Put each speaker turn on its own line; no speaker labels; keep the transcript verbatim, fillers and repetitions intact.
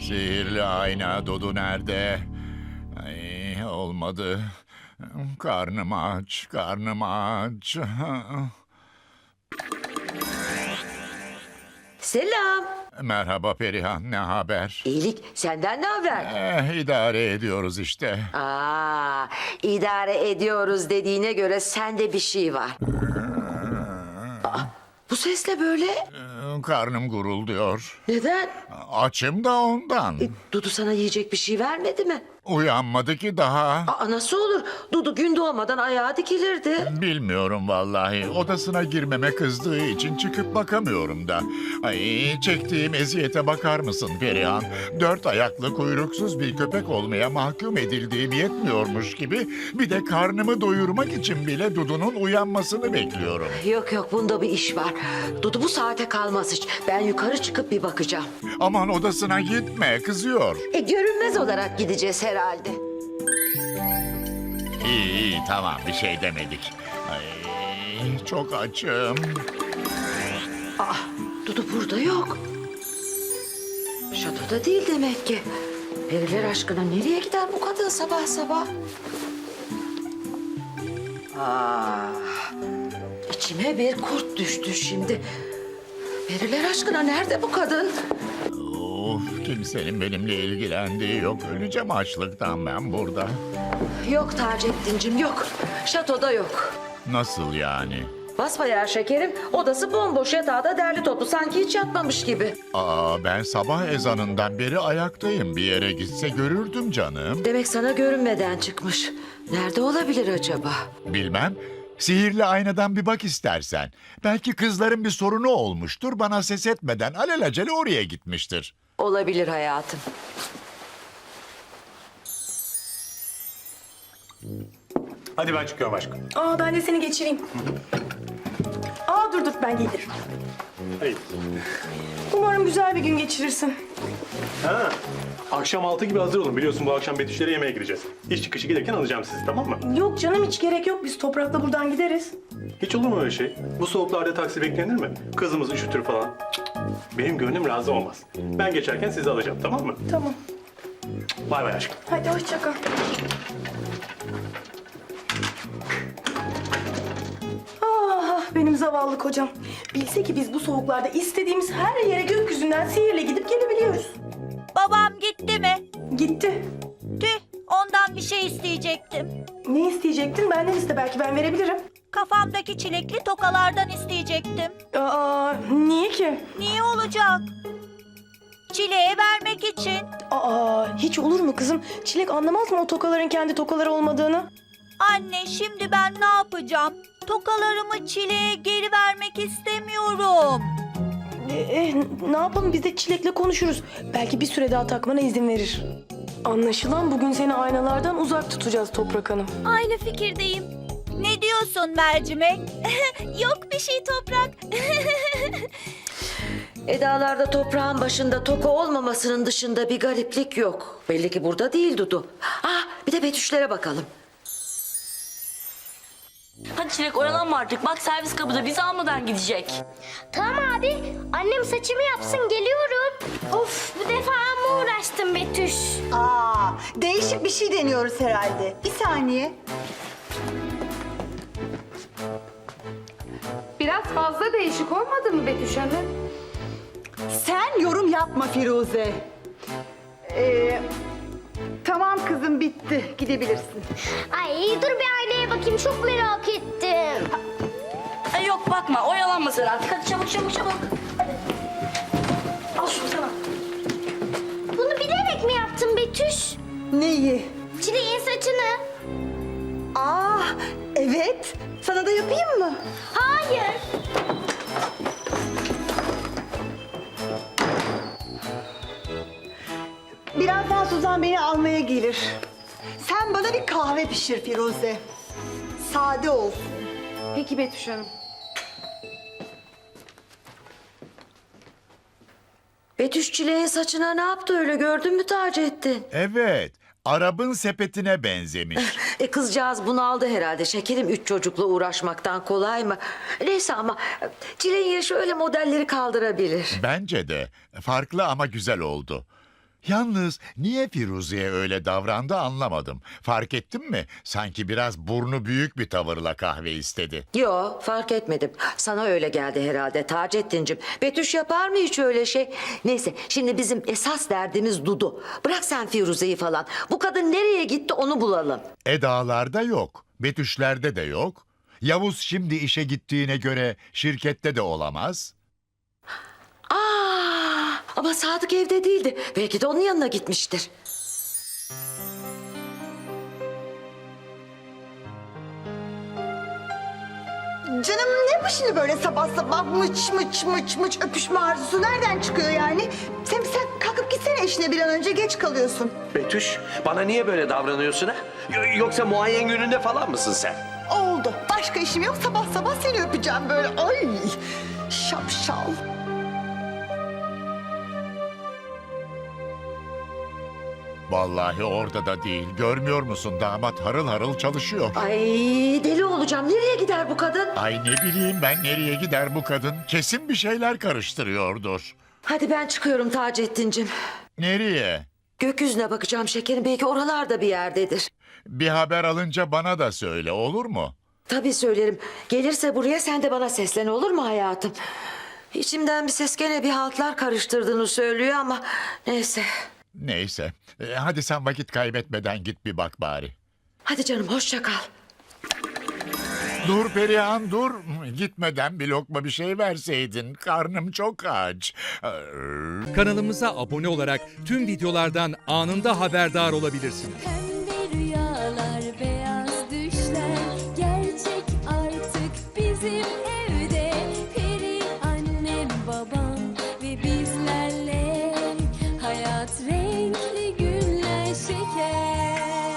Sihirli ayna Dudu nerede? Ay, olmadı. Karnım aç, karnım aç.
Selam.
Merhaba Perihan, ne haber?
İyilik. Senden ne haber?
Eh, idare ediyoruz işte.
Aa, idare ediyoruz dediğine göre sende bir şey var. Aa, bu ses ne böyle?
Eh, Karnım gurulduyor.
Neden?
Açım da ondan.
E, Dudu sana yiyecek bir şey vermedi mi?
Uyanmadı ki daha.
Aa, nasıl olur? Dudu gün doğmadan ayağa dikilirdi.
Bilmiyorum vallahi. Odasına girmeme kızdığı için çıkıp bakamıyorum da. Ay, çektiğim eziyete bakar mısın Perihan? Dört ayaklı kuyruksuz bir köpek olmaya mahkum edildiğim yetmiyormuş gibi bir de karnımı doyurmak için bile Dudu'nun uyanmasını bekliyorum.
Yok yok, bunda bir iş var. Dudu bu saate kalmaz hiç. Ben yukarı çıkıp bir bakacağım.
Aman odasına gitme, kızıyor.
E, görünmez olarak gideceğiz herhalde.
İyi iyi tamam bir şey demedik. Ay, çok açım.
Aa, Dudu burada yok. Şatoda değil demek ki. Periler aşkına nereye gider bu kadın sabah sabah? Ah, içime bir kurt düştü şimdi. Periler aşkına nerede bu kadın?
Of, kimsenin benimle ilgilendiği yok. Öleceğim açlıktan ben burada.
Yok Taceddin'cim yok. Şatoda yok.
Nasıl yani?
Basbayağı şekerim, odası bomboş, yatağı da derli toplu, sanki hiç yatmamış gibi.
Aa, ben sabah ezanından beri ayaktayım. Bir yere gitse görürdüm canım.
Demek sana görünmeden çıkmış. Nerede olabilir acaba?
Bilmem. Sihirli aynadan bir bak istersen. Belki kızların bir sorunu olmuştur. Bana ses etmeden alelacele oraya gitmiştir.
Olabilir hayatım.
Hadi ben çıkıyorum aşkım.
Aa, ben de seni geçireyim. Aa, dur dur, ben gelirim.
Hayır.
Umarım güzel bir gün geçirirsin.
Ha, akşam altı gibi hazır olun. Biliyorsun bu akşam Betüşlere yemeğe gireceğiz. İş çıkışı gelirken alacağım sizi, tamam mı?
Yok canım, hiç gerek yok. Biz Toprak'la buradan gideriz.
Hiç olur mu öyle şey? Bu soğuklarda taksi beklenir mi? Kızımız üşütür falan. Cık, benim gönlüm razı olmaz. Ben geçerken sizi alacağım, tamam mı?
Tamam.
Bay bay aşkım.
Hadi hoşça kal. Ah, benim zavallı kocam. Bilse ki biz bu soğuklarda istediğimiz her yere gökyüzünden sihirle gidip gelebiliyoruz.
Babam gitti mi?
Gitti.
Tüh, ondan bir şey isteyecektim.
Ne isteyecektin? Benden iste, belki ben verebilirim.
Kafamdaki çilekli tokalardan isteyecektim.
Aa, niye ki?
Niye olacak? Çileğe vermek için.
Aa, hiç olur mu kızım? Çilek anlamaz mı o tokaların kendi tokaları olmadığını?
Anne, şimdi ben ne yapacağım? Tokalarımı çileğe geri vermek istemiyorum.
Ee, eh, ne yapalım, biz de Çilek'le konuşuruz. Belki bir süre daha takmana izin verir. Anlaşılan bugün seni aynalardan uzak tutacağız Toprak Hanım.
Aynı fikirdeyim. Ne diyorsun mercimek? Yok bir şey Toprak.
Edalarda toprağın başında toka olmamasının dışında bir gariplik yok. Belli ki burada değil Dudu. Ah, bir de Betüşlere bakalım.
Hadi Çilek, oyalanma artık. Bak servis kapıda, bizi almadan gidecek.
Tamam abi. Annem saçımı yapsın, geliyorum. Of, bu defa amma uğraştım Betüş.
Aa, değişik bir şey deniyoruz herhalde. Bir saniye.
Biraz fazla değişik olmadı mı Betüş Hanım?
Sen yorum yapma Firuze. Ee, tamam kızım, bitti. Gidebilirsin.
Ay dur bir aynaya bakayım, çok merak ettim.
Ay yok, bakma, oyalanma sen artık. Hadi çabuk çabuk çabuk. Hadi. Al şunu sana.
Bunu bilerek mi yaptın Betüş?
Neyi?
Çileğin saçını.
Aa, evet. Sana da yapayım mı?
Hayır.
Birazdan Suzan beni almaya gelir. Sen bana bir kahve pişir Firuze. Sade olsun.
Peki Betüş Hanım.
Betüş çileğin saçına ne yaptı öyle, gördün mü Taceddin?
Evet, Arap'ın sepetine benzemiş.
E kızcağız bunaldı herhalde şekerim, üç çocukla uğraşmaktan kolay mı? Neyse ama çileğin yaşı öyle modelleri kaldırabilir.
Bence de farklı ama güzel oldu. Yalnız niye Firuze'ye öyle davrandı anlamadım. Fark ettin mi? Sanki biraz burnu büyük bir tavırla kahve istedi.
Yo, fark etmedim. Sana öyle geldi herhalde Taceddin'cim. Betüş yapar mı hiç öyle şey? Neyse, şimdi bizim esas derdimiz Dudu. Bırak sen Firuze'yi falan. Bu kadın nereye gitti onu bulalım.
Edalarda yok, Betüşlerde de yok. Yavuz şimdi işe gittiğine göre şirkette de olamaz.
Aa, ama Sadık evde değildi. Belki de onun yanına gitmiştir.
Canım ne bu şimdi böyle sabah sabah mıç mıç mıç mıç öpüşme arzusu nereden çıkıyor yani? Sen, sen kalkıp gitsene eşine bir an önce geç kalıyorsun.
Betüş, bana niye böyle davranıyorsun ha? Y- Yoksa muayen gününde falan mısın sen?
Oldu. Başka işim yok. Sabah sabah seni öpeceğim böyle. Ay şapşal.
Vallahi orada da değil. Görmüyor musun damat harıl harıl çalışıyor.
Ay deli olacağım. Nereye gider bu kadın?
Ay ne bileyim ben nereye gider bu kadın? Kesin bir şeyler karıştırıyordur.
Hadi ben çıkıyorum Taceddin'cim.
Nereye?
Gökyüzüne bakacağım şekerim. Belki oralarda bir yerdedir.
Bir haber alınca bana da söyle olur mu?
Tabii söylerim. Gelirse buraya sen de bana seslen olur mu hayatım? İçimden bir ses gene bir haltlar karıştırdığını söylüyor ama neyse.
Neyse. E, hadi sen vakit kaybetmeden git bir bak bari.
Hadi canım hoşça kal.
Dur Perihan dur. Gitmeden bir lokma bir şey verseydin. Karnım çok aç.
Kanalımıza abone olarak tüm videolardan anında haberdar olabilirsiniz.
Pembe rüyalar, beyaz düşler gerçek artık bizim evde. Peri annem, babam ve bizlerle hayat